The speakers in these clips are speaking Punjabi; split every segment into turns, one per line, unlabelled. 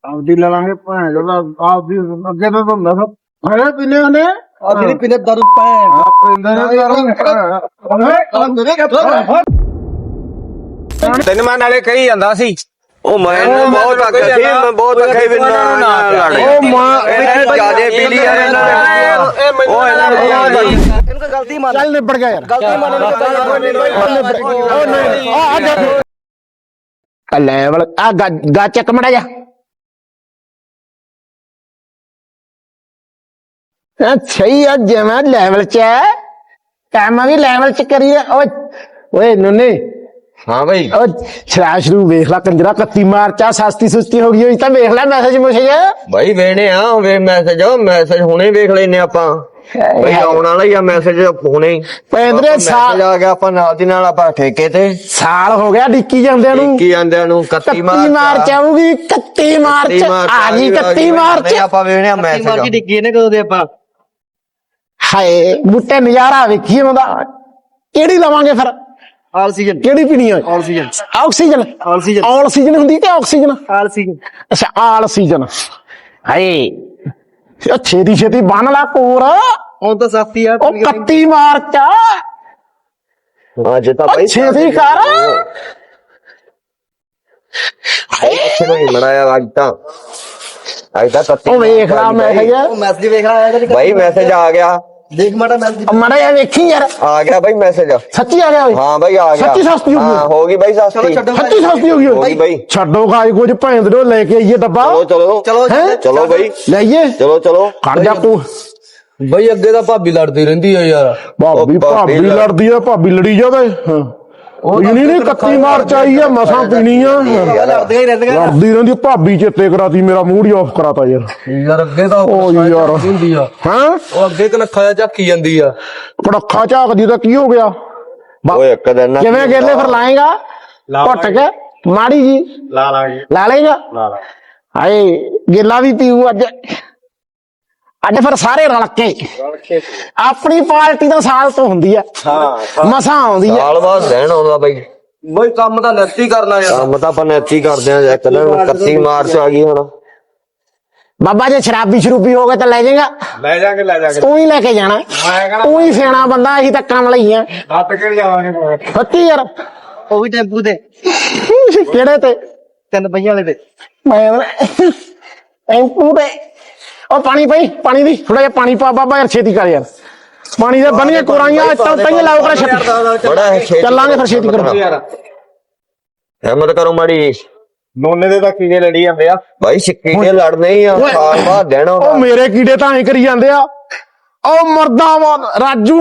ਆਪਦੀ ਲੈ ਲਾਂਗੇ ਭੈਣ ਜਿਹੜਾ ਆਪਦੀ ਅੱਗੇ ਤਾਂ ਹੁੰਦਾ ਸਭ ਹੈ ਪੀਨੇ ਉਹਨੇ
ਅਸੀਂ ਨਹੀਂ ਪੀਨੇ ਦਾਰੂ ਭੈਣ
ਤੈਨੂੰ ਮੈਂ ਨਾਲੇ ਕਹੀ ਜਾਂਦਾ ਸੀ
ਉਹ ਮੈਂ ਬਹੁਤ ਅੱਗੇ ਸੀ ਮੈਂ ਬਹੁਤ ਅੱਗੇ ਵੀ ਨਾ ਲੜ
ਉਹ ਮਾਂ
ਜਿਆਦੇ ਪੀ ਲਈ ਯਾਰ ਇਹਨਾਂ ਨੇ ਉਹ ਇਹਨਾਂ ਨੇ
ਇਹਨੂੰ ਕੋਈ ਗਲਤੀ ਮੰਨ
ਚੱਲ ਨਿਬੜ ਗਿਆ ਯਾਰ
ਗਲਤੀ ਮੰਨ
ਉਹ ਨਹੀਂ ਆ ਦੇਖ ਲੈਵਲ ਆ ਗਾ ਚੱਕ ਮੜਾ ਜਾ ਅੱਛਾ ਹੀ ਆ ਜਿਵੇਂ ਲੈਵਲ ਚ ਹੈ ਕੰਮ ਵੀ ਲੈਵਲ ਚ ਕਰੀ ਓਏ ਨੁੰਨੇ
ਹਾਂ ਬਈ
ਉਹ ਸ਼ਰਾਬ ਸ਼ਰੂ ਵੇਖ ਲੈ ਕੰਜਰਾ 31 ਮਾਰਚ ਆ ਸਸਤੀ ਸੁਸਤੀ ਹੋ ਗਈ ਹੋਈ ਤਾਂ ਵੇਖ ਲੈ ਮੈਸੇਜ ਮੁਸੇਜ
ਬਾਈ ਵੇਣੇ ਆ ਵੇ ਮੈਸੇਜ ਹੁਣੇ ਵੇਖ ਲੈਨੇ ਆਪਾਂ ਬਈ ਆਉਣ ਵਾਲਾ ਹੀ ਆ ਮੈਸੇਜ ਹੁਣੇ
ਪੈਂਦਰੇ ਸਾਲ
ਆ ਗਿਆ ਆਪਾਂ ਨਾਲ ਦੀ ਨਾਲ ਆਪਾਂ ਠੇਕੇ ਤੇ
ਸਾਲ ਹੋ ਗਿਆ ਡਿੱਕੀ ਜਾਂਦਿਆਂ ਨੂੰ
ਕੀ ਆਂਦਿਆਂ ਨੂੰ 31
ਮਾਰਚ ਆਊਗੀ 31 ਮਾਰਚ ਆ ਗਈ 31 ਮਾਰਚ
ਆਪਾਂ ਵੇਣੇ ਆ ਮੈਸੇਜ
ਮਾਰ ਕੇ ਡਿੱਗੀ ਇਹਨੇ ਕਦੋਂ ਦੇ ਆਪਾਂ
ਹਾਏ ਬੁੱਟੇ ਨਜ਼ਾਰਾ ਵੇਖੀਏ ਉਹਦਾ ਕਿਹੜੀ ਲਵਾਂਗੇ ਫਿਰ
ਆਲ ਸੀਜ਼ਨ
ਕਿਹੜੀ ਪੀਣੀ ਹੈ
all season
oxygen
all season
all season ਹੁੰਦੀ ਕਿ ਆਕਸੀਜਨ
ਆਲ ਸੀਜ਼ਨ
ਅੱਛਾ ਆਲ ਸੀਜ਼ਨ ਹਾਏ ਉਹ ਛੇਤੀ ਛੇਤੀ ਬੰਨ ਲਾ ਕੋਰ
ਹੁਣ ਤਾਂ ਸਸਤੀ ਆ
ਉਹ 31 ਮਾਰਚ ਆ
ਅੱਜ ਤਾਂ
ਉਹ
ਬਾਈ
ਛੇਤੀ ਕਰ
ਅੱਛੇ ਨੂੰ ਮਨਾਇਆ ਅੱਜ ਤਾਂ 31
ਉਹ ਵੇਖ ਲਾ ਮੈਸੇਜ
ਉਹ ਮੈਸੇਜ ਵੇਖ ਰਿਹਾ ਆਇਆ
ਬਾਈ ਮੈਸੇਜ ਆ ਗਿਆ
ਦੇਖ ਮਾੜਾ ਮੈਸੇਜ
ਮੜਾ ਯਾਰ ਵੇਖੀ ਯਾਰ
ਆ ਗਿਆ ਬਾਈ ਮੈਸੇਜ
ਸੱਚੀ ਆ ਗਿਆ ਓਏ
ਹਾਂ ਬਾਈ ਆ ਗਿਆ
ਸੱਚੀ ਸਸਤੀ ਹੋ ਗਈ
ਹਾਂ ਹੋ ਗਈ ਬਾਈ ਸਸਤੀ
ਸੱਚੀ ਸਸਤੀ ਹੋ ਗਈ
ਹੋ ਗਈ ਬਾਈ
ਛੱਡੋ ਗਾਇ ਕੁਝ ਭੈਣ ਦੇ ਲੈ ਕੇ ਆਈਏ ਡੱਬਾ
ਚਲੋ
ਹੈਂ?
ਚਲੋ ਬਾਈ
ਲਈਏ
ਚਲੋ
ਖੜ ਜਾ ਤੂੰ
ਬਈ ਅੱਗੇ ਤਾਂ ਭਾਬੀ ਲੜਦੀ ਰਹਿੰਦੀ ਆ ਯਾਰ
ਭਾਬੀ ਲੜਦੀ ਆ ਭਾਬੀ ਲੜੀ ਜਾਵੇ ਉਹ ਨਹੀਂ 31 ਮਾਰਚ ਆਈ ਆ ਮਸਾਂ ਪੀਣੀ ਆ
ਲੜਦੀਆਂ ਹੀ ਰਹਿੰਦੀਆਂ
ਲੜਦੀ ਰਹਿੰਦੀ ਭਾਬੀ ਚੇਤੇ ਕਰਾਤੀ ਮੇਰਾ ਮੂਡ ਹੀ ਆਫ ਕਰਾਤਾ ਯਾਰ
ਅੱਗੇ ਤਾਂ
ਓ ਯਾਰ
ਹੁੰਦੀ ਆ
ਹਾਂ
ਉਹ ਅੱਗੇ ਕਨੱਖਾ ਜਾ ਝਾਕੀ ਜਾਂਦੀ ਆ
ਕੜੱਖਾ ਝਾਕਦੀ ਤਾਂ ਕੀ ਹੋ ਗਿਆ
ਓਏ ਇੱਕ ਦਿਨ ਨਾ
ਕਿਵੇਂ ਗੇਲੇ ਫਿਰ ਲਾਏਗਾ ਘੁੱਟ ਕੇ ਮਾੜੀ ਜੀ ਲਾ ਲੇਗਾ ਹਾਏ ਗੇਲਾ ਵੀ ਪੀਊ ਅੱਜ ਫਿਰ ਸਾਰੇ ਰਲ ਕੇ ਆਪਣੀ ਪਾਰਟੀ ਤਾਂ ਸਾਲ ਤੋਂ ਹੁੰਦੀ ਆ ਮਸਾਂ ਆਉਂਦੀ ਆ
ਸਾਲ ਬਾਅਦ ਰਹਿਣ ਆਉਂਦਾ ਬਾਈ
ਬਈ ਕੰਮ ਤਾਂ ਨੱਤੀ ਕਰਨਾ ਯਾਰ
ਕੰਮ ਤਾਂ ਆਪਾਂ ਨੈਤੀ ਕਰਦੇ ਆ ਇੱਕ ਦਿਨ 31 ਮਾਰਚ ਆ ਗਈ ਹੁਣ
ਬਾਬਾ ਜੇ ਸ਼ਰਾਬੀ ਸ਼ਰੂਬੀ ਹੋ ਗਏ ਤਾਂ ਲੈ ਜਾਏਗਾ
ਲੈ ਜਾਗੇ
ਤੂੰ ਹੀ ਲੈ ਕੇ ਜਾਣਾ ਤੂੰ ਹੀ ਸਿਆਣਾ ਬੰਦਾ ਅਸੀਂ ਤਾਂ ਕੰਮ ਲਈ ਆ
ਹੱਥ ਕਿਹੜ ਜਾਵਾਂਗੇ
ਸੱਚੀ ਯਾਰ
ਉਹ ਵੀ ਟੈਂਪੂ ਤੇ
ਕਿਹੜੇ ਤੇ
3 ਪਹੀਆਂ ਵਾਲੇ ਤੇ
ਮੈਂ ਟੈਂਪੂ ਤੇ ਉਹ ਪਾਣੀ ਦੀ ਥੋੜਾ ਜਿਹਾ ਪਾਣੀ ਪਾ ਬਾਬਾ ਯਾਰ ਛੇਤੀ ਕਰ ਯਾਰ ਪਾਣੀ ਦੇ ਬਣੀਆਂ ਕੋਰਾਈਆਂ ਤਾਂ ਲਾਓ ਕਰ ਛੇਤੀ
ਬੜਾ
ਚੱਲਾਂਗੇ ਫਿਰ ਛੇਤੀ ਕਰੋ
ਹਿੰਮਤ ਕਰੋ ਮਾੜੀ
ਨੋਨੇ ਦੇ ਤਾਂ ਕੀੜੇ ਲੜੀ ਜਾਂਦੇ ਆ
ਬਾਈ ਸਿੱਕੀ ਦੇ ਲੜਨੇ ਹੀ ਆ ਸਾਲ ਬਾਅਦ ਰਹਿਣਾ
ਉਹ ਮੇਰੇ ਕੀੜੇ ਤਾਂ ਐ ਕਰੀ ਜਾਂਦੇ ਆ ਉਹ ਮੁਰਦਾਬਾਦ ਰਾਜੂ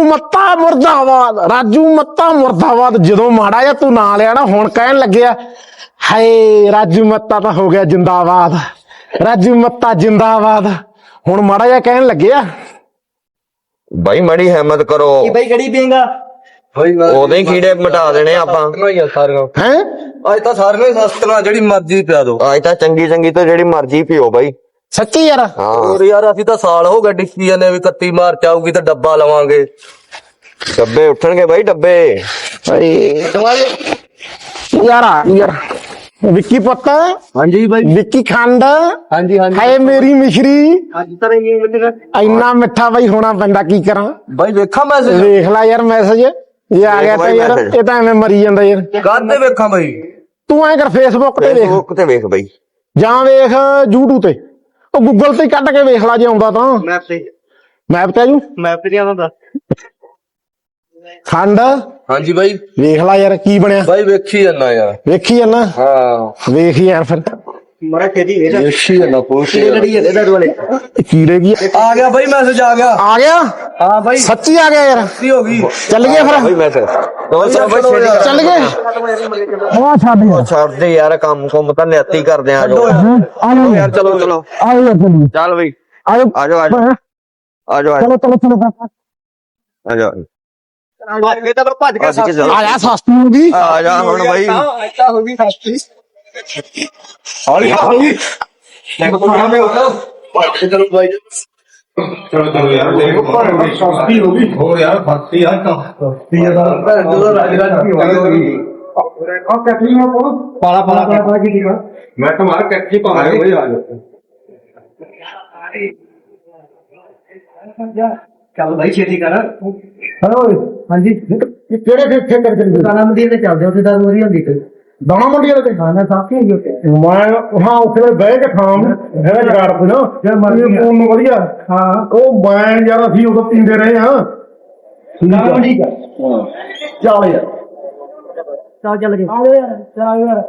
ਮੱਤਾ ਮੁਰਦਾਬਾਦ ਜਦੋਂ ਮਾੜਾ ਜਿਹਾ ਤੂੰ ਨਾਂ ਲਿਆ ਨਾ ਹੁਣ ਕਹਿਣ ਲੱਗਿਆ ਹਾਏ ਰਾਜੂ ਮੱਤਾ ਤਾਂ ਹੋ ਗਿਆ ਜਿੰਦਾਬਾਦ ਰਾਜੂ ਮੱਤਾ ਜਿੰਦਾਬਾਦ ਹੁਣ ਮਾੜਾ ਜਿਹਾ ਕਹਿਣ ਲੱਗਿਆ
ਬਾਈ ਮਾੜੀ ਹਿੰਮਤ ਕਰੋ
ਕੀ ਬਾਈ ਕਿਹੜੀ ਪੀਏਗਾ
ਬਈ
ਉਹਦੇ ਹੀ ਕੀੜੇ ਮਿਟਾ ਦੇਣੇ ਆਪਾਂ
ਸਾਰੀਆਂ
ਹੈ
ਅੱਜ ਤਾਂ ਸਾਰੀਆਂ ਹੀ ਸਸਤੀਆਂ ਜਿਹੜੀ ਮਰਜ਼ੀ ਪਿਆ ਦੋ
ਅੱਜ ਤਾਂ ਚੰਗੀ ਤੋਂ ਜਿਹੜੀ ਮਰਜ਼ੀ ਪੀਓ ਬਾਈ
ਸੱਚੀ ਯਾਰ
ਹਾਂ
ਹੋਰ ਯਾਰ ਅਸੀਂ ਤਾਂ ਸਾਲ ਹੋ ਗਿਆ ਡਿੱਕੀ ਜਾਂਦੇ ਵੀ 31 ਮਾਰਚ ਆਊਗੀ ਤਾਂ ਡੱਬਾ ਲਵਾਂਗੇ
ਡੱਬੇ ਉੱਠਣਗੇ ਬਾਈ ਡੱਬੇ
ਯਾਰ ਵਿੱਕੀ ਪੁੱਤ
ਹਾਂਜੀ ਬਾਈ
ਵਿੱਕੀ ਖੰਡ
ਹਾਂਜੀ
ਹਾਏ ਮੇਰੀ ਮਿਸ਼ਰੀ
ਅੱਜ ਤਾਂ ਇਹ ਬੰਦੇ
ਇੰਨਾ ਮਿੱਠਾ ਬਾਈ ਹੋਣਾ ਪੈਂਦਾ ਕੀ ਕਰਾਂ
ਬਾਈ ਵੇਖਾਂ ਮੈਸੇਜ
ਵੇਖ ਲੈ ਯਾਰ ਮੈਸੇਜ ਇਹ ਆ ਗਿਆ ਤਾਂ ਯਾਰ ਇਹ ਤਾਂ ਐਵੇਂ ਮਰੀ ਜਾਂਦਾ ਯਾਰ
ਕਾਹਦੇ ਵੇਖਾਂ ਬਾਈ
ਤੂੰ ਐਂ ਕਰ ਫੇਸਬੁੱਕ ਤੇ ਵੇਖ
ਫੇਸਬੁੱਕ ਤੇ ਵੇਖ ਬਾਈ
ਜਾਂ ਵੇਖ YouTube ਤੇ ਉਹ ਗੂਗਲ ਤੇ ਕੱਢ ਕੇ ਵੇਖ ਲੈ ਜੇ ਆਉਂਦਾ ਤਾਂ
ਮੈਪ ਤੇ
ਮੈਪ ਤੇ ਆਜੂ
ਮੈਪ ਤੇ ਆਉਂਦਾ
ਖੰਡ
ਹਾਂਜੀ ਬਾਈ
ਵੇਖ ਲੈ ਯਾਰ ਕੀ ਬਣਿਆ
ਬਾਈ ਵੇਖੀ ਜਾਂਦਾ ਯਾਰ
ਵੇਖੀ ਜਾਂਦਾ
ਹਾਂ
ਵੇਖ ਯਾਰ ਫਿਰ
ਮਰਾ ਖੇਦੀ ਵੇਖ
ਵੇਖੀ ਜਾਂਦਾ ਪੁੱਛ
ਲੜੀ ਜਾਂਦੇ ਦਾਰੂ ਵਾਲੇ
ਕੀੜੇ ਕੀ
ਆ ਗਿਆ ਬਾਈ ਮੈਸੇਜ ਆ ਗਿਆ
ਹਾਂ ਬਾਈ ਸੱਚੀ ਆ ਗਿਆ ਯਾਰ
ਕੀ ਹੋ ਗਈ
ਚੱਲ ਗਏ
ਬਾਈ
ਫਿਰ
ਮੈਸੇਜ ਚਲੋ ਬਾਈ ਛੇਤੀ ਕਰ।
ਚੱਲ ਗਏ ਉਹ ਛੱਡ ਯਾਰ
ਛੱਡ ਦੇ ਯਾਰ ਕੰਮ ਤਾਂ ਨੈਤੀ ਕਰਦੇ ਆ ਜੋ ਯਾਰ ਚਲੋ
ਆਓ ਯਾਰ ਚੱਲੀਏ
ਚੱਲ ਬਈ
ਆਜੋ
ਆਜੋ
ਚਲੋ
ਆਜੋ
ਇਹ ਤਾਂ ਭੱਜ ਕੇ
ਅਸੀਂ ਚਲੋ
ਆਇਆ ਸਸਤੀ ਹੋ ਗਈ
ਆ ਜਾ ਹੁਣ ਬਾਈ
ਐਸਾ ਹੋ ਗਈ ਸਸਤੀ
ਹੌਲੀ
ਥੋੜਾ ਮੇ ਹੋਗਾ ਭੱਜ ਕੇ ਚਲੋ ਬਾਈ
ਚਲੋ ਯਾਰ ਦੇਖੋ ਸਸਤੀ ਹੋ ਗਈ ਹੋਰ ਯਾਰ ਭਗਤੀ ਆ ਤਾਂ ਸਸਤੀ ਆ ਤਾਂ
ਰਾਜ ਰਾਜ ਕੀ ਹੋਗਾ
ਕੈਟਰੀ ਨੂੰ ਪਾਲਾ ਪਾਲਾ ਕੀ ਠੀਕ ਮੈਂ ਤੁਹਾਡਾ ਕੈਟਰੀ ਪਾਵਾਂਗੇ ਵਈ ਆ ਜਾ ਚੱਲ ਭਾਈ ਛੇਤੀ ਕਰ
ਹੈਲੋ ਹਾਂਜੀ ਕਿਹੜੇ ਖੇਤਰ ਚ
ਦਾਣਾ ਮੰਡੀ ਤੇ ਚੱਲਦੇ ਉੱਥੇ ਤਾਂ ਵਧੀਆ ਹੁੰਦੀ ਤੇ
ਦਾਣਾ ਮੰਡੀ ਵਾਲੇ ਤੇ
ਖਾਣਾ ਸਾਫੀ ਹੋਈ ਉੱਥੇ
ਮੈਂ ਹਾਂ ਉੱਥੇ ਬਹਿ ਕੇ ਖਾਂ ਹੈਗਾ ਜਗਾੜ ਕੋ ਨਾ
ਜੇ ਮਰਜ਼ੀ
ਫੋਨ ਨੂੰ ਵਧੀਆ
ਹਾਂ
ਉਹ ਮੈਂ ਯਾਰ ਅਸੀਂ ਉਦੋਂ ਪੀਂਦੇ ਰਹੇ ਹਾਂ
ਦਾਣਾ ਮੰਡੀ ਦਾ
ਚੱਲ ਯਾਰ
ਚੱਲ ਗਏ ਆ ਯਾਰ ਚੱਲ ਯਾਰ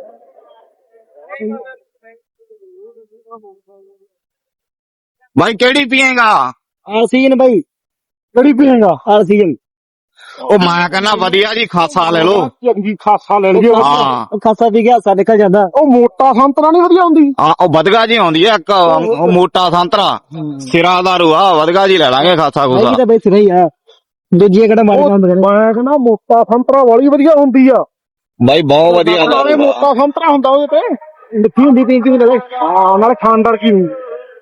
ਭਾਈ ਕਿਹੜੀ ਪੀਏਗਾ?
ਆਰਸੀਜਨ ਭਾਈ
ਕਿਹੜੀ ਪੀਏਗਾ
ਆਰਸੀਜਨ
ਉਹ ਮੈਂ ਕਹਿੰਦਾ ਵਧੀਆ ਜੀ ਖਾਸਾ ਲੈ ਲੋ।
ਚੰਗੀ ਖਾਸਾ ਲੈ ਲਈਏ
ਹਾਂ
ਖਾਸਾ ਵੀ ਗਿਆ ਸਾ ਨਿਕਲ ਜਾਂਦਾ
ਉਹ ਮੋਟਾ ਸੰਤਰਾ ਨਹੀਂ ਵਧੀਆ ਹੁੰਦੀ
ਹਾਂ ਉਹ ਵਧਗਾ ਜੀ ਆਉਂਦੀ ਆ ਇੱਕ ਉਹ ਮੋਟਾ ਸੰਤਰਾ ਸਿਰਾ ਦਾ ਰੂਆ ਵਧਗਾ ਜੀ ਲੈ ਲਾਂਗੇ ਖਾਸਾ
ਇਹ
ਖੂਸਾ।
ਤਾਂ ਬਈ ਸਹੀ ਆ ਦੂਜੀ ਕਿਹੜਾ ਮਾਰੀ
ਉਹ
ਕੰਮ ਕਰੇ
ਮੈਂ ਕਹਿੰਦਾ ਮੋਟਾ ਸੰਤਰਾ ਵਾਲੀ ਵਧੀਆ ਹੁੰਦੀ ਆ
ਬਾਈ ਬਹੁਤ ਵਧੀਆ
ਨਾਲੇ ਮੋਟਾ ਸੰਤਰਾ ਹੁੰਦਾ ਉਹਦੇ ਤੇ
ਮਿੱਠੀ ਹੁੰਦੀ ਪੀਂ ਕਿਵੇਂ ਲੱਗੇ
ਹਾਂ ਨਾਲੇ ਖਾਨਦਾਰ ਕੀ ਹੁੰਦੀ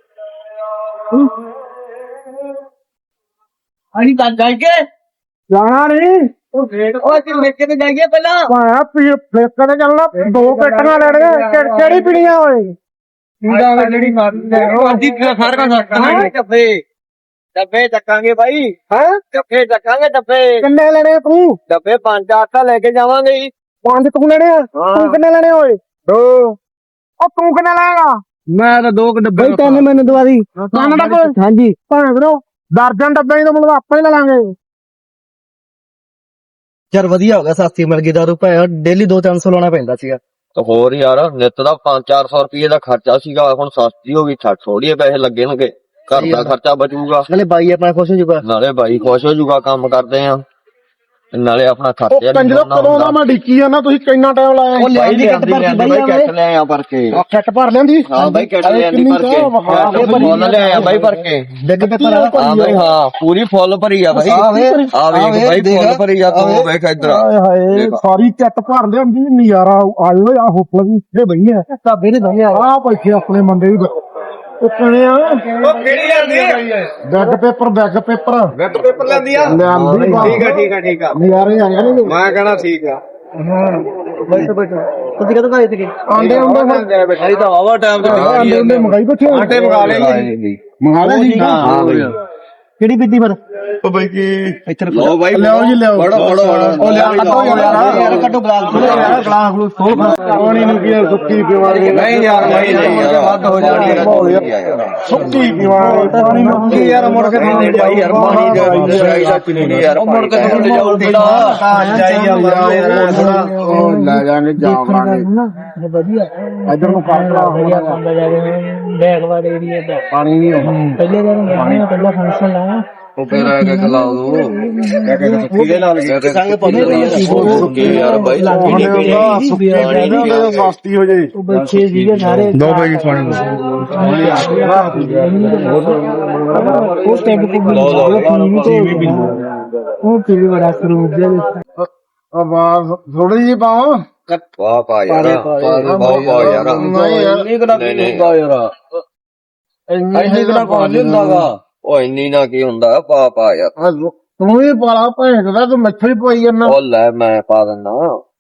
ਅਸੀਂ ਤਾਂ ਜਾਈਏ
ਜਾਣਾ ਨਹੀਂ
ਉਹ ਅਸੀਂ ਮੇਕੇ ਤੇ ਜਾਈਏ ਪਹਿਲਾਂ
ਭਾਇਆ ਫੇਕਾਂ ਤੇ ਚੱਲਣਾ ਦੋ ਪੇਟੀਆਂ ਲੈਣੀਆਂ ਕਿਹੜੀ ਪੀਣੀਆਂ ਓਏ
ਪੀਂਦਾ ਜਿਹੜੀ ਮਾਰੀ ਅੱਧੀ ਸਾਰਾ ਸੱਟਾਂਗੇ ਡੱਬੇ ਚੱਕਾਂਗੇ ਭਾਈ
ਹੈ
ਡੱਬੇ ਚੱਕਾਂਗੇ ਡੱਬੇ
ਕਿੰਨੇ ਲੈਣੇ ਤੂੰ
ਡੱਬੇ 5-8 ਲੈ ਕੇ ਜਾਵਾਂਗੇ ਜੀ
ਪੰਜ ਤੂੰ ਲੈਣੇ ਆ ਤੂੰ ਕਿੰਨੇ ਲੈਣੇ ਓਏ ਦੋ ਉਹ ਤੂੰ ਕਿੰਨੇ ਲੈਗਾ
ਮੈਂ ਤਾਂ 2 ਡੱਬੇ ਤਿੰਨ ਮੈਨੂੰ ਦਵਾ ਦੀ
ਤਿੰਨ ਡੱਬੇ
ਹਾਂਜੀ
ਭਾਵੇਂ ਵੀਰੋ ਦਰਜਨ ਡੱਬੇ ਹੀ ਤਾਂ ਮਤਲਬ ਆਪਾਂ ਹੀ ਲੈ ਲਾਂਗੇ
ਯਾਰ ਵਧੀਆ ਹੋ ਗਿਆ ਸਸਤੀ ਮਿਲ ਗਈ ਦਾਰੂ ਭਾਇਆ ਡੇਲੀ 2-300 ਲਾਉਣਾ ਪੈਂਦਾ ਸੀਗਾ
ਤੇ ਹੋਰ ਯਾਰ ਨਿੱਤ ਦਾ 500-400 ਰੁਪਏ ਦਾ ਖਰਚਾ ਸੀਗਾ ਹੁਣ ਸਸਤੀ ਹੋ ਗਈ ਥੋੜੀਏ ਪੈਸੇ ਲੱਗਣਗੇ ਘਰ ਦਾ ਖਰਚਾ ਬਚੂਗਾ
ਨਾਲੇ ਬਾਈ ਆਪਣਾ ਖੁਸ਼ ਹੋ ਜਾਊਗਾ
ਨਾਲੇ ਬਾਈ ਖੁਸ਼ ਹੋ ਜਾਊਗਾ ਕੰਮ ਕਰਦੇ ਆ ਨਾਲੇ ਆਪਣਾ
ਉਹ
ਖਰਚਾ
ਕੰਜਰੋ ਕਦੋਂ ਦਾ ਮੈਂ ਡਿੱਕੀ ਜਾਂਦਾ ਤੁਸੀਂ ਕਿੰਨਾ ਟਾਈਮ ਲਾਇਆ
ਉਹ ਲਿਆਂਦੀ ਕਿੱਟ ਭਰ ਕੇ
ਬਾਈ ਕੈਟ ਲੈ ਆ ਭਰ ਕੇ
ਆ ਖੱਟ ਭਰ ਲੈਂਦੀ
ਹਾਂ ਬਾਈ ਕੈਟ ਲੈ ਆਂਦੀ ਭਰ ਕੇ ਫੁੱਲ ਲੈ ਆ ਬਾਈ ਭਰ ਕੇ
ਡਿੱਗ ਤੇ ਭਰਾ
ਹਾਂ ਬਾਈ ਹਾਂ ਪੂਰੀ ਫੁੱਲ ਭਰੀ ਆ ਬਾਈ ਆ ਵੇਖ ਬਾਈ ਫੁੱਲ ਭਰੀ ਆ ਤੂੰ ਵੇਖ ਇੱਧਰ
ਹਾਏ ਹਾਏ ਸਾਰੀ ਚੱਟ ਭਰ ਲਿਆਂਦੀ ਨਜ਼ਾਰਾ ਆਇਓ ਆ ਹੋਪਲ ਵੀ ਇੱਥੇ ਬਈ ਆ
ਢਾਬੇ ਨੇ ਦਵਾਈ
ਆ ਬੈਠੇ ਆਪਣੇ ਮੁੰਡੇ ਵੀ ਉਹ ਕਿਹੜੇ ਆ
ਉਹ ਕਿਹੜੀ ਜਾਂਦੀ ਹੈ
ਬੈਗ ਪੇਪਰ
ਵੈਟ ਪੇਪਰ ਲੈਂਦੀ ਆ
ਲਿਆਂਦੀ
ਠੀਕ ਆ
ਨਜ਼ਾਰੇ ਆ ਜਾਣਗੇ
ਮੈਂ ਕਹਣਾ ਠੀਕ ਆ
ਬੈਠੋ ਬੈਠੋ ਤੁਸੀਂ ਕਦੋਂ ਘਰੇ ਸੀਗੇ
ਆਂਡੇ ਹੁੰਦੇ
ਅਸੀਂ ਤਾਂ ਆਵਾ ਟਾਈਮ ਤੇ
ਆਂਡੇ ਹੁੰਦੇ ਮੰਗਾਈ ਬੈਠੇ
ਆਟੇ ਮੰਗਾ ਲਏ
ਮੰਗਾ ਲੈ ਜੀ
ਹਾਂ ਬਾਈ
ਕਿਹੜੀ ਪੀਤੀ ਪਰ
ਉਹ ਬਾਈ ਕੀ
ਇੱਥੇ
ਲਓ ਬਾਈ
ਲਿਆਓ ਜੀ ਲਿਆਓ
ਫੜੋ
ਉਹ ਲਿਆ ਕੱਟੋ
ਯਾਰ ਕੱਟੋ ਗਲਾਸ
ਯਾਰ ਗਲਾਸ ਗਲੂਸ ਖੋਲ ਪਾਣੀ ਨੂੰ ਕੀ ਯਾਰ ਸੁੱਕੀ ਪੀਵਾਂਗੇ
ਨਹੀਂ ਯਾਰ ਨਹੀਂ ਯਾਰ ਵੱਧ ਹੋ ਜਾਣੀ ਯਾਰ
ਸੁੱਕੀ ਪੀਵਾਂਗੇ ਪਾਣੀ ਨੂੰ ਕੀ ਯਾਰ ਮੁੜ ਕੇ
ਨਹੀਂ ਭਾਈ ਯਾਰ ਪਾਣੀ ਦੇ ਚਾਹੀਦਾ ਪੀਣੀ ਯਾਰ ਮੁੜ ਕੇ ਤੁਹਾਨੂੰ ਜਾਊ ਬੇਟਾ
ਚਾਹੀਦਾ
ਉਹ ਲੈ ਜਾਣੇ ਜਾਵਾਂਗੇ
ਵਧੀਆ
ਇਧਰ ਨੂੰ ਕਾਟਲਾ
ਵਧੀਆ ਕੰਮ ਜਾ ਰਹੇ ਬੈਗ ਵਾਲੇ ਏਰੀਆ ਦਾ
ਪਾਣੀ ਨਹੀਂ ਆਉਂਦਾ
ਪਹਿਲੇ ਦਿਨ ਪਹਿਲਾ ਫੰਕਸ਼ਨ ਲਾਇਆ
ਉਹ ਫੇਰ ਆ ਕੇ ਖਲਾ ਦੋ
ਕਿਹਦੇ ਨਾਲ
ਸੰਗ ਸੁੱਕੀ ਯਾਰ ਬਾਈ
ਮਸਤੀ ਹੋ ਜਾਏ
ਉਹ ਬੱਚੇ ਸੀਗੇ ਸਾਰੇ
ਦੋ ਵਜੇ ਪਾਣੀ
ਉਹ ਟੈਂਕ ਤੇ ਉਹ ਪੀਲੀ ਬੜਾ ਸਰੂਪ ਦੇ
ਆਵਾਜ਼ ਥੋੜੀ ਜਿਹੀ ਪਾਓ
ਵਾਹ ਪਾ ਯਾਰ ਵਾਹ ਯਾਰ
ਨਹੀਂ ਯਾਰ
ਇੰਨੀ ਕਿਹੜਾ ਹੁੰਦਾ ਯਾਰ ਇੰਨੀ ਕਿਹੜਾ ਕੌਣ ਹੁੰਦਾਗਾ ਉਹ ਇੰਨੀ ਨਾ ਕੀ ਹੁੰਦਾ ਪਾ ਯਾਰ
ਤੂੰ ਵੀ ਪਾਲਾ ਭੈਣ ਦਾ ਤੂੰ ਮੱਛੀ ਪਈ ਜਾਂਦਾ
ਉਹ ਲੈ ਮੈਂ ਪਾ ਦਿੰਦਾ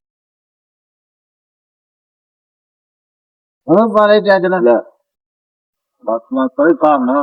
ਉਹ ਬਾਰੇ ਚੱਜ ਨਾਲ ਬਸ ਮੈਂ ਕੋਈ ਕੰਮ ਨਾ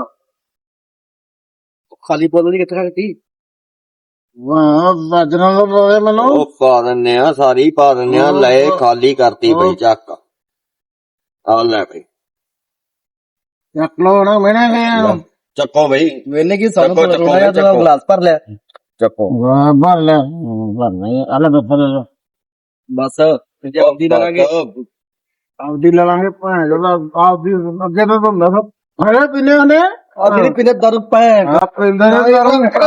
ਖਾਲੀ ਬੋਤਲ ਦੀ ਕਿੱਥੇ ਰੱਖਤੀ
ਵਾਹ ਚੱਜ ਨਾਲ ਬੋਲੇ ਮੈਨੂੰ
ਉਹ ਪਾ ਦਿੰਨੇ ਆ ਸਾਰੀ ਪਾ ਦਿੰਨੇ ਆ ਲੈ ਖਾਲੀ ਕਰਤੀ ਬਈ ਚੱਕ ਆ ਲੈ ਬਈ
ਚੱਕ ਲੋ ਨਾ ਮੈਨੇ ਗਿਆ
ਚੱਕੋ ਬਈ
ਵੇਲੇ ਕੀ
ਸਾਨੂੰ ਚੱਕੋ, ਥੋੜ੍ਹਾ ਜਿਹਾ ਚੱਕੋ।
ਗਲਾਸ ਭਰ ਲਿਆ
ਚੱਕੋ
ਵਾਹ ਭਰ ਲੈ ਭਰ ਨਹੀਂ ਅਲੇ ਬਫਰ
ਬਸ ਜਲਦੀ ਲਾਂਗੇ
ਆਪਦੀ ਲੈ ਲਾਂਗੇ ਭੈਣ ਜਿਹੜਾ ਆਪਦੀ ਅੱਗੇ ਤਾਂ ਹੁੰਦਾ ਸਭ ਹਰੇ ਪੀਨੇ ਹੁੰਦੇ
ਆ ਜਿਹੜੀ ਪਿੰਨੇ ਦਰ ਪੈ
ਆ ਪਿੰਦੇ ਨੇ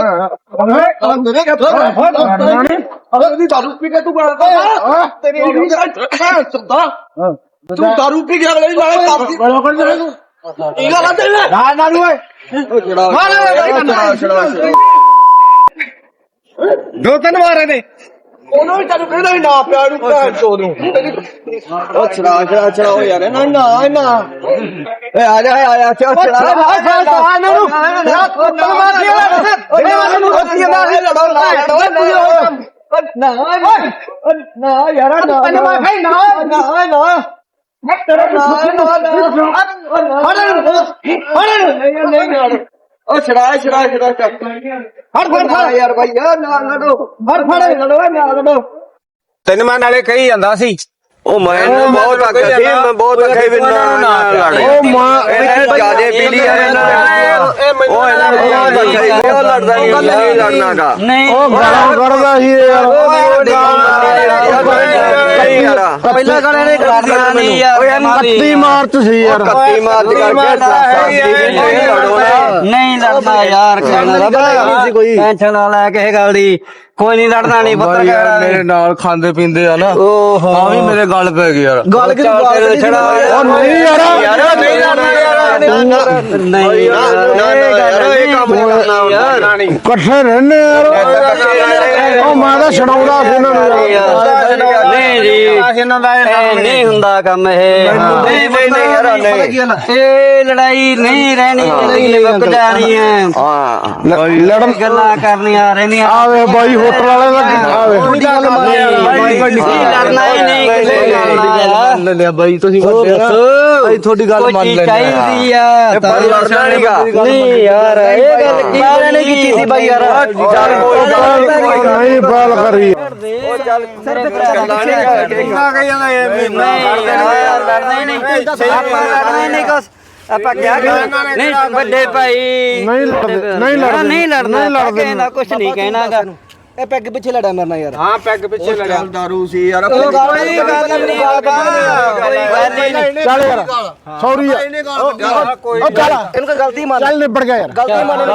ਅਰੇ ਦਾਰੂ ਪੀ ਕੇ ਤੂੰ ਬਣਦਾ ਤੇਰੀ ਸੁਣਦਾ ਤੂੰ ਦਾਰੂ ਪੀ ਕੇ ਅਗਲੇ ਨਾਲੇ ਕਰਦੀ
ਬੜਾ ਕਰ ਦੇ ਤੂੰ
ਇਹ ਗੱਲ ਤੇ
ਨਾ ਨਾ ਨੂੰ
ਦੋ ਤਿੰਨ ਵਾਰ ਇਹਦੇ
ਉਹਨੂੰ ਵੀ ਤੈਨੂੰ ਕਹਿੰਦਾ ਸੀ ਨਾ ਪਿਆ ਨੂੰ ਭੈਣ ਚੋਦ ਨੂੰ
ਉਹ ਛੜਾ ਹੋ ਯਾਰ ਨਾ ਏ ਆ ਜਾ ਛੜਾ
ਨਾ ਨਾ ਯਾਰ ਨਾ ਤੈਨੂੰ ਮੈਂ ਕਹੀ ਨਾ ਨਾ ਨਾ ਮੈਂ ਤੇਰਾ ਨਾ ਨਾ ਨਹੀਂ ਉਹ ਛੜਾ ਫੜ ਯਾਰ ਭਾਈ ਨਾ ਲੜੋ ਫੜ ਲੜੋ ਨਾ ਲੜੋ
ਤੈਨੂੰ ਮੈਂ ਨਾਲੇ ਕਹੀ ਜਾਂਦਾ ਸੀ
ਉਹ ਮੈਨੂੰ ਬਹੁਤ ਅੱਗ ਸੀ ਮੈਂ ਬਹੁਤ ਅੱਗੇ ਵੀ ਨਾ ਲੜ
ਉਹ ਮਾਂ
ਇਹ ਜਿਆਦੇ ਪੀਲੀ ਯਾਰ ਇਹਨਾਂ ਉਹ ਇਹਨਾਂ ਨੂੰ ਬਹੁਤ ਅੱਗੇ ਸੀ ਉਹ ਲੜਦਾ ਨਹੀਂ ਲੜਨਾਗਾ
ਉਹ ਗਾਲਾਂ ਕਰਦਾ ਸੀ ਯਾਰ
ਪਹਿਲਾਂ ਗਾਲਾਂ ਨੇ ਕਰਦੀਆਂ ਨਹੀਂ ਯਾਰ
31 ਮਾਰਚ ਸੀ ਯਾਰ
31 ਮਾਰਚ ਕਰਕੇ
ਨਹੀਂ ਲੜਨਾ ਯਾਰ ਕਹਿਣਾ ਟੈਨਸ਼ਨ ਨਾ ਲੈ ਕਿਸੇ ਗੱਲ ਦੀ ਕੋਈ ਨਹੀਂ ਲੜਨਾ ਨਹੀਂ ਪੱਤਰਕਾਰ
ਮੇਰੇ ਨਾਲ ਖਾਂਦੇ ਪੀਂਦੇ ਆ ਨਾ ਆ ਵੀ ਮੇਰੇ ਗੱਲ ਪੈ ਗਈ ਯਾਰ
ਗੱਲ ਕਿ ਛੜਾ
ਉਹ ਨਹੀਂ ਯਾਰ
ਨਹੀਂ ਲੜਨਾ ਯਾਰ
ਨਹੀਂ
ਇਹ ਕੰਮ ਨਹੀਂ ਕਰਨਾ ਯਾਰ
ਇਕੱਠੇ ਰਹਿੰਦੇ ਯਾਰ ਉਹ ਮੈਂ ਤਾਂ ਛਡਾਉਂਦਾ ਸੀ ਇਹਨਾਂ ਨੂੰ ਯਾਰ
ਨਹੀਂ ਜੀ
ਇਹਨਾਂ ਦਾ
ਨਹੀਂ ਹੁੰਦਾ ਕੰਮ ਇਹ
ਨਹੀਂ ਯਾਰ
ਇਹ ਲੜਾਈ ਨਹੀਂ ਰਹਿਣੀ ਇਹ ਮੁੱਕ ਜਾਣੀ ਹੈ
ਲੜਨ
ਗੱਲਾਂ ਕਰਨੀਆਂ ਰਹਿੰਦੀਆਂ
ਆਵੇ ਬਾਈ ਹੋਟਲ ਵਾਲੇ ਦਾ ਆਵੇ
ਲੜਨਾ ਹੀ ਨਹੀਂ ਕਿਸੇ ਗੱਲ
ਲੈ ਲਿਆ ਬਾਈ ਤੁਸੀਂ ਵੱਡੇ ਆ ਅਸੀਂ ਤੁਹਾਡੀ ਗੱਲ ਮੰਨ ਲੈਂਦੇ
ਚਾਹੀਦੀ ਆ
ਪਰ ਲੜਨਾ ਨਹੀਂਗਾ
ਨਹੀਂ ਯਾਰ ਇਹ ਗੱਲ ਕੀ ਬਾਰੇ ਨਹੀਂ ਕੀਤੀ ਸੀ ਬਾਈ ਯਾਰ
ਨਹੀਂ ਬਾਲ ਕਰੀ
ਆਪਾਂ ਕਿਆ ਨਹੀਂ ਵੱਡੇ ਭਾਈ
ਨਹੀਂ ਲੜਦੇ
ਨਹੀਂ ਲੜਨਾ
ਨਹੀਂ ਲੜਦੇ
ਕਹਿਣਾ ਕੁਛ ਨਹੀਂ ਕਹਿਣਾਗਾ ਇਹ ਪੈਗ ਪਿੱਛੇ ਲੜਿਆ ਮਰਨਾ ਯਾਰ
ਹਾਂ ਪੈਗ ਪਿੱਛੇ ਲੜਿਆ
ਦਾਰੂ ਸੀ ਯਾਰ
ਕੋਈ ਗੱਲ ਨਹੀਂ
ਚੱਲ ਯਾਰ ਸੌਰੀ ਉਹ ਚੱਲ
ਇਹਨੂੰ ਕੋਈ ਗਲਤੀ ਮੰਨ
ਚੱਲ ਨਿਬੜ ਗਿਆ ਯਾਰ
ਗਲਤੀ ਮੰਨ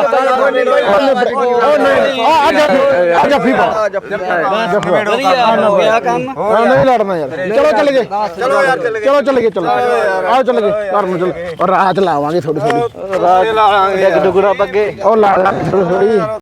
ਆ ਜੱਫੀ ਪਾ
ਵਧੀਆ ਹੋ ਗਿਆ ਕੰਮ
ਨਹੀਂ ਲੜਨਾ ਯਾਰ ਚਲੋ ਚੱਲ ਗਏ ਚਲੋ ਚੱਲ ਗਏ ਚਲੋ ਆਓ ਚੱਲ ਗਏ ਘਰ ਨੂੰ ਚਲ ਰਾਤ ਲਾਵਾਂਗੇ ਥੋੜੀ ਥੋੜੀ
ਰਾਜ ਲਾਵਾਂਗੇ
ਡੁਗੜਾ ਬੱਗੇ
ਉਹ ਲਾ ਥੋੜੀ ਥੋੜੀ